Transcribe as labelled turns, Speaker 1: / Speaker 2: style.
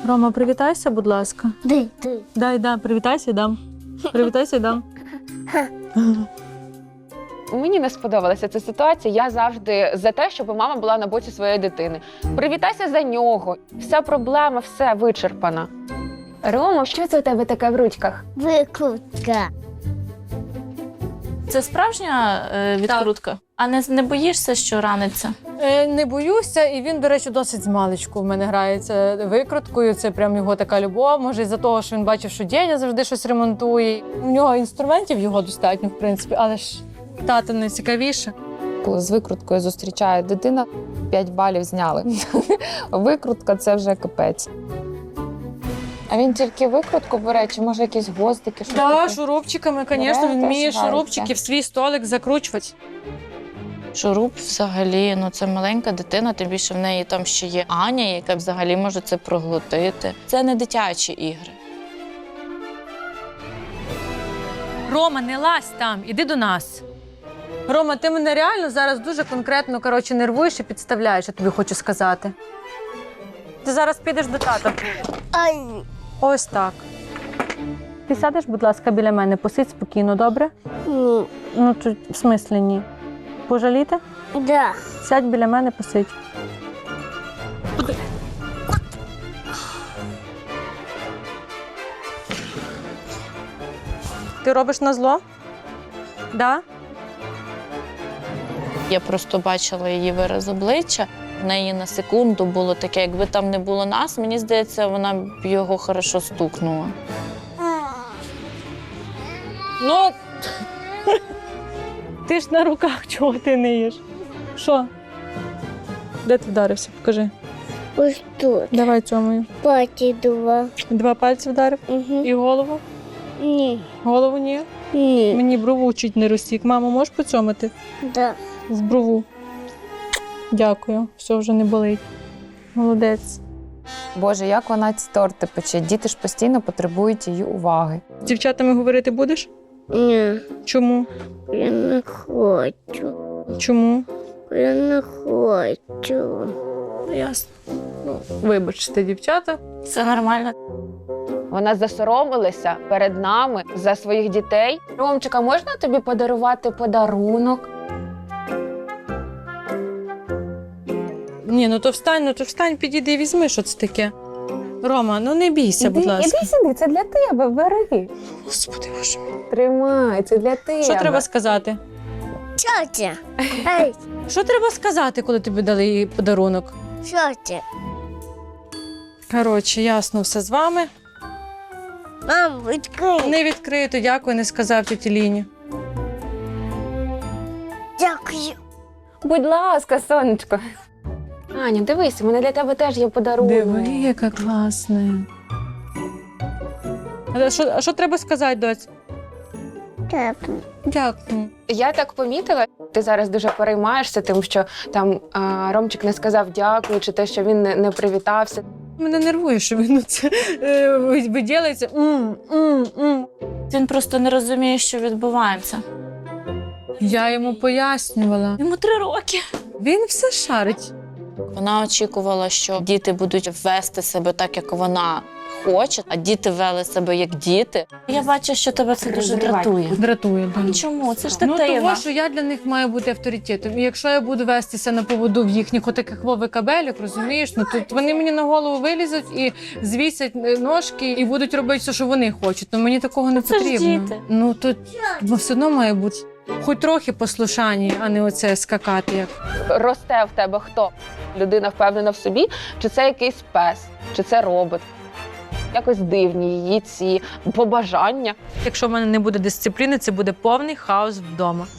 Speaker 1: Рома, привітайся, будь ласка.
Speaker 2: Дай.
Speaker 1: Привітайся і дам. Привітайся і дам.
Speaker 3: Мені не сподобалася ця ситуація. Я завжди за те, щоб мама була на боці своєї дитини. Привітайся за нього. Вся проблема, все вичерпана. Рома, що це у тебе таке в ручках?
Speaker 2: Викрутка.
Speaker 4: Це справжня відкрутка? А не боїшся, що раниться?
Speaker 1: Не боюся, і він, до речі, досить змалечку в мене грається викруткою. Це прям його така любов. Може, із-за того, що він бачив, що дядя завжди щось ремонтує. У нього інструментів його достатньо, в принципі, але ж тато найцікавіше.
Speaker 5: Коли з викруткою зустрічає дитина, 5 балів зняли. Викрутка – це вже капець. А він тільки викрутку бере, чи може якісь гвоздики?
Speaker 1: Так, шурупчиками, звісно, він вміє
Speaker 5: теж
Speaker 1: шурупчики в свій столик закручувати.
Speaker 4: Шуруп взагалі, це маленька дитина, тим більше в неї там ще є Аня, яка взагалі може це проглотити. Це не дитячі ігри.
Speaker 1: Рома, не лазь там, іди до нас. Рома, ти мене реально зараз дуже конкретно, нервуєш і підставляєш, я тобі хочу сказати. Ти зараз підеш до тата.
Speaker 2: Ай.
Speaker 1: Ось так. Ти сядеш, будь ласка, біля мене, посидь спокійно, добре?
Speaker 2: Ні.
Speaker 1: В смислі ні. Пожаліти?
Speaker 2: Да.
Speaker 1: Сядь біля мене, посидь. Ти робиш назло? Да?
Speaker 4: Я просто бачила її вираз обличчя. В неї на секунду було таке, якби там не було нас, мені здається, вона б його хорошо стукнула.
Speaker 1: Ну, ти ж на руках, чого ти не їш? Що? Де ти вдарився? Покажи.
Speaker 2: Ось тут.
Speaker 1: Давай цьомою.
Speaker 2: Паті 2.
Speaker 1: 2 пальці вдарив?
Speaker 2: Угу.
Speaker 1: І голову?
Speaker 2: Ні.
Speaker 1: Голову ні?
Speaker 2: Ні.
Speaker 1: Мені брову чуть не розсік. Мамо, можеш поцьомити?
Speaker 2: Да.
Speaker 1: В брову. Дякую. Все, вже не болить. Молодець.
Speaker 5: Боже, як вона ці торти пече. Діти ж постійно потребують її уваги.
Speaker 1: З дівчатами говорити будеш?
Speaker 2: Ні.
Speaker 1: Чому?
Speaker 2: Я не хочу.
Speaker 1: Чому?
Speaker 2: Я не хочу.
Speaker 1: Ясно. Вибачте, дівчата.
Speaker 4: Все нормально.
Speaker 3: Вона засоромилася перед нами за своїх дітей. Ромчика, можна тобі подарувати подарунок?
Speaker 1: Ні, то встань, підійди і візьми, що це таке. Рома, не бійся, будь ласка.
Speaker 3: Іди сюди, це для тебе, бери.
Speaker 1: Господи, боже мій.
Speaker 3: Тримай, це для тебе.
Speaker 1: Що треба сказати?
Speaker 2: Тьотя. Ей,
Speaker 1: Що треба сказати, коли тобі дали їй подарунок?
Speaker 2: тьотя.
Speaker 1: Коротше, ясно все з вами.
Speaker 2: Мам, відкрий.
Speaker 1: Не відкрито, дякую, не сказав тіті Ліні.
Speaker 2: Дякую.
Speaker 3: Будь ласка, сонечко. Аня, дивись, у мене для тебе теж є подарунок.
Speaker 1: Диви, яка класна. А що треба сказати, доць?
Speaker 2: Тепло.
Speaker 1: Дякую.
Speaker 3: Я так помітила, ти зараз дуже переймаєшся тим, що там Ромчик не сказав дякую, чи те, що він не привітався.
Speaker 1: Мене нервує, що він це виділиться.
Speaker 4: Він просто не розуміє, що відбувається.
Speaker 1: Я йому пояснювала.
Speaker 4: Йому 3 роки.
Speaker 1: Він все шарить.
Speaker 4: Вона очікувала, що діти будуть вести себе так, як вона хоче, а діти вели себе як діти. Я бачу, що тебе це дуже дратує.
Speaker 1: Дратує. Да.
Speaker 4: Чому? Це ж
Speaker 1: Ну,
Speaker 4: дитина.
Speaker 1: того, що я для них маю бути авторитетом. І якщо я буду вестися на поводу в їхніх отаких викабелях, розумієш, тут вони мені на голову вилізуть і звісять ножки і будуть робити все, що вони хочуть. Мені такого не
Speaker 4: Це ж
Speaker 1: потрібно.
Speaker 4: діти.
Speaker 1: Тут все одно має бути хоч трохи послушання, а не оце скакати як.
Speaker 3: Росте в тебе хто? Людина впевнена в собі, чи це якийсь пес, чи це робот. Якось дивні її ці побажання.
Speaker 1: Якщо в мене не буде дисципліни, це буде повний хаос вдома.